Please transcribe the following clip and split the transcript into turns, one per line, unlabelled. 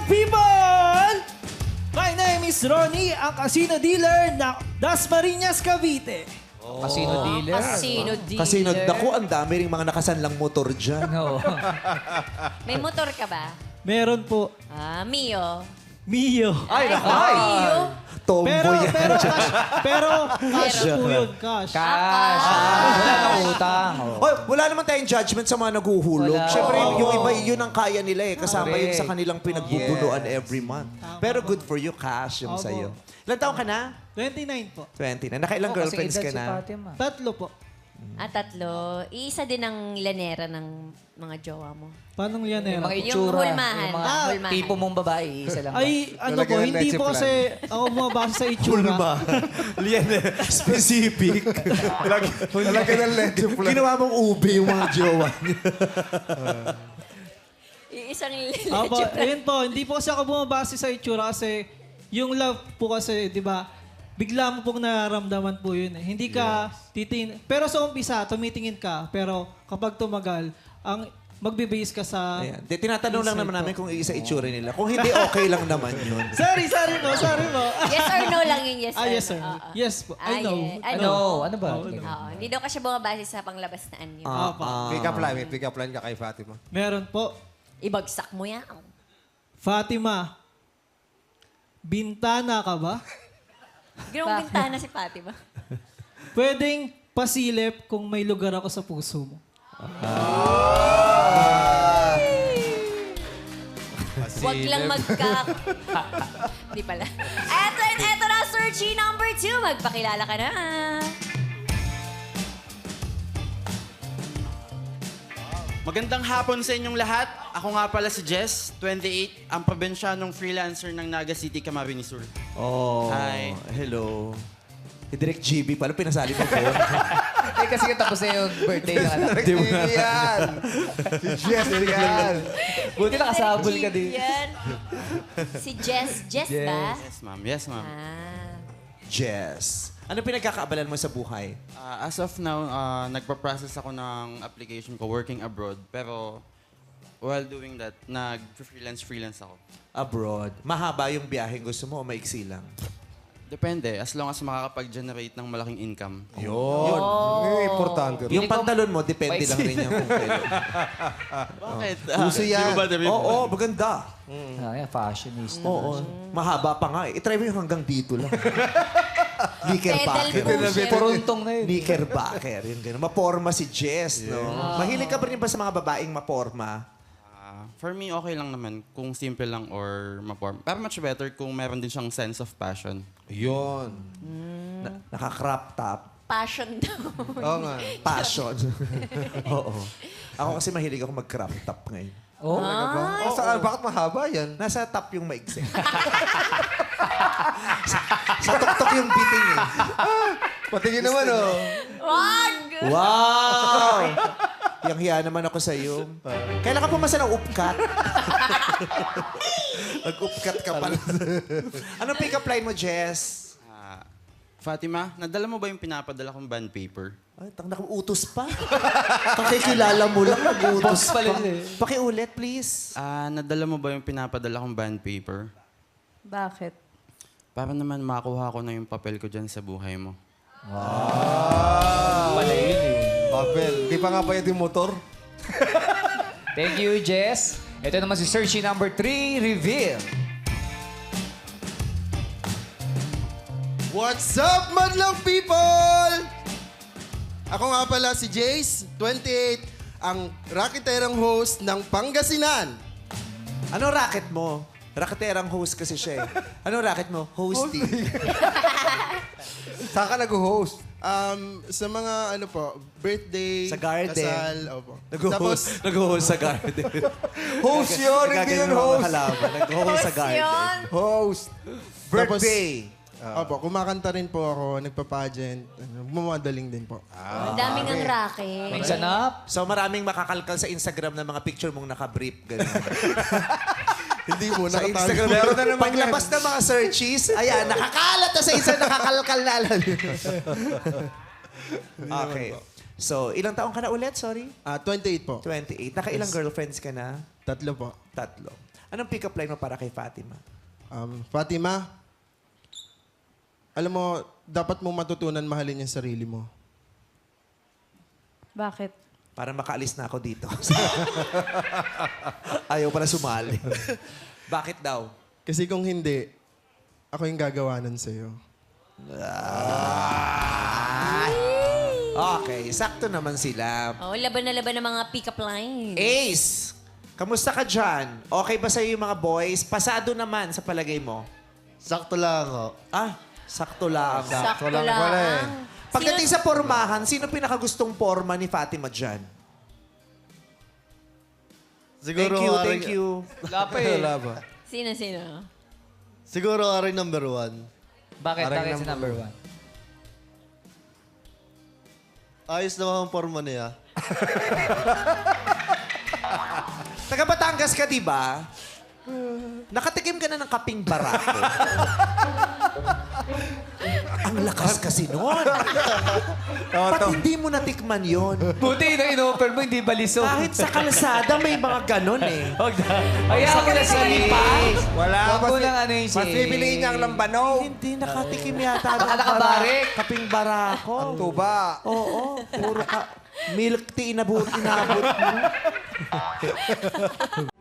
people! My name is Ronnie, ang casino dealer ng Dasmariñas, Cavite.
Casino dealer.
Casino dealer.
Kasi naku, ang dami ring mga nakasanlang motor dyan.
No.
May motor ka ba?
Meron po,
Mio.
Mio.
Ay, naku.
Mio.
Tomboy
Pero,
yan.
cash po yun, cash.
Cash. Wala nang utang.
Hoy, wala naman tayong judgment sa mga naguhulog.
Wala.
Siyempre, yung iba, yun ang kaya nila eh. Kasama yun sa kanilang pinagbubunuan every month. Pero good for you, cash yung
Opo.
sa'yo. Ilan taon ka na?
29 po.
20 na. Nakailang girlfriends ka na?
Tatlo po.
Tatlo. Iisa din ang lanera ng mga jowa mo.
Paano yan eh?
Yung mga
Yung
itsura.
hulmahan.
Yung mga
Hulmahan.
tipo mong babae, isa lang.
Ay, ano
Lalagyan
po,
ng
hindi
leche
po
plan.
kasi ako bumabasa sa itsura.
Lian, specific.
Talaga ng leche plan.
Ginawa mong ube yung mga jowa niya.
Isang
Apo,
leche plan.
ayun po, hindi po kasi ako bumabase sa itsura kasi yung love po kasi, di ba, bigla mo pong nararamdaman po yun eh. Hindi ka titingin. Pero sa umpisa, tumitingin ka. Pero kapag tumagal, ang magbe-base ka sa...
Ayan. Tinatanong lang naman namin kung isa itsura nila. Kung hindi, okay lang naman yun.
Sorry po.
Yes or no lang yung yes or
Yes, sir.
no. Oo.
Yes po. I know.
yes.
Ano? Ano ba?
Oo. Hindi daw kasi bumabase sa panglabas na anyo.
Pick up line. May pick up line ka kay Fatima.
Meron po.
Ibagsak mo yan.
Fatima, bintana ka ba?
Ginawang bintana si Fatima.
Pwedeng pasilip kung may lugar ako sa puso mo.
Huwag lang Di pala. Eto na, searchy number 2. Magpakilala ka na.
Magandang hapon sa inyong lahat. Ako nga pala si Jess, 28, ang probinsyanong freelancer ng Naga City, Camarines Sur.
Oh,
Hi.
hello. Si Direk GB pala, pinasali mo po.
Eh, kasi tapos na yung birthday ng anak.
Di mo na.
Yan! Si Jess yan!
Buti nakasabol ka din.
Yan. Si Jess. Jess ba?
Yes, ma'am. Yes, ma'am.
Jess. Ano pinagkakaabalan mo sa buhay?
As of now, nagpa-process ako ng application ko working abroad. Pero while doing that, nag-freelance ako.
Abroad. Mahaba yung biyaheng gusto mo o maiksi lang?
Depende, as long as makakapag-generate ng malaking income.
Yun.
Importante.
Yung pantalon mo, depende lang rin yan kung kailan.
Bakit?
Uso yan.
Di ba ba, David?
Oo, maganda.
Yan, fashionista.
Oo. Mahaba pa nga eh. I-try mo yung hanggang dito lang.
Pedal
Knickerbacker.
pusher.
Puruntong na yun.
Knickerbacker. Yung gano'n. Maporma si Jess, no? Mahilig ka ba rin ba sa mga babaeng maporma?
For me, okay lang naman kung simple lang or maporm. Pero much better kung meron din siyang sense of passion.
Yun.
Naka-crop top.
Passion daw.
Oo nga.
Passion. Oo. Ako kasi mahilig ako mag-crop top ngayon.
Oh?
Oh, saan? Bakit mahaba yan?
Nasa top yung maigsi. sa tuktok yung biting eh.
Patingin naman, oh.
Wag!
Wow! Yang hiya naman ako sa iyo. Kailan ka pumasa ng upkat? Nag-upkat ka pala. Anong pick-up line mo, Jess?
Fatima, nadala mo ba yung pinapadala kong bond paper?
Ay, utos pa. Kakikilala mo lang, nag-utos pa.
pala yun eh.
Pakiulit, please.
Nadala mo ba yung pinapadala kong bond paper?
Bakit?
Para naman makuha ko na yung papel ko dyan sa buhay mo.
Pala yun eh.
Papel. Di pa nga bayad yung motor.
Thank you, Jess. Ito naman si searchy number 3, reveal.
What's up, madlang people? Ako nga pala si Jace, 28, ang rakiterang host ng Pangasinan.
Ano racket mo? Racketerang host kasi siya eh. Ano racket mo? Hosting.
Saan ka nag-host?
Sa mga ano po, birthday,
Sa garden.
kasal, opo.
Nag-host sa garden.
Host yun, hindi yun host.
Nag-host sa garden.
Yun.
Host.
Birthday.
Opo, kumakanta rin po ako, nagpa-pageant, bumadaling din po.
Ang daming ang racket.
Mix and up.
So maraming makakalkal sa Instagram ng mga picture mong naka-brief. Ganun.
Hindi mo,
Sa
nakatago.
Instagram, meron na naman paglabas ng mga searches, ayan, nakakalat na sa Instagram, nakakalkal na alam. Okay. So, ilang taong ka na ulit? Sorry?
28 po.
28. Nakailang girlfriends ka na?
3 po.
3. Anong pick-up line mo para kay Fatima?
Fatima, alam mo, dapat mo matutunan mahalin yung sarili mo.
Bakit?
Para makaalis na ako dito. Ayaw pala sumali. Bakit daw?
Kasi kung hindi, ako yung gagawanan sa'yo.
Okay, sakto naman sila.
Oh, laban na laban ng mga pick-up lines.
Ace, kamusta ka dyan? Okay ba sa'yo yung mga boys? Pasado naman sa palagay mo.
Sakto lang ako.
Sakto lang.
Sakto
lang
lang.
pala eh.
Pagdating sa pormahan, sino pinakagustong porma ni Fatima dyan?
Siguro
Thank you.
Wala pa eh.
Wala ba?
Sino?
Siguro rin number 1.
Bakit? Bakit si number 1?
Ayos naman ang forma niya.
Taga Batangas ka, di ba? Nakatikim ka na ng kaping barako. Ang lakas kasi nun. Ba't hindi mo natikman yon?
Buti na in-offer mo, hindi balisong.
Kahit sa kalsada may mga ganon eh.
Huwag na. Ayaw mo na sa lipas.
Wala.
Huwag mo nang ano yung
Mas bibiliin niya ang lambano.
Hindi nakatikim yata.
Baka nakabarik.
Kaping barako.
Ang tuba.
Oo, puro ka. Milk tea inabot mo.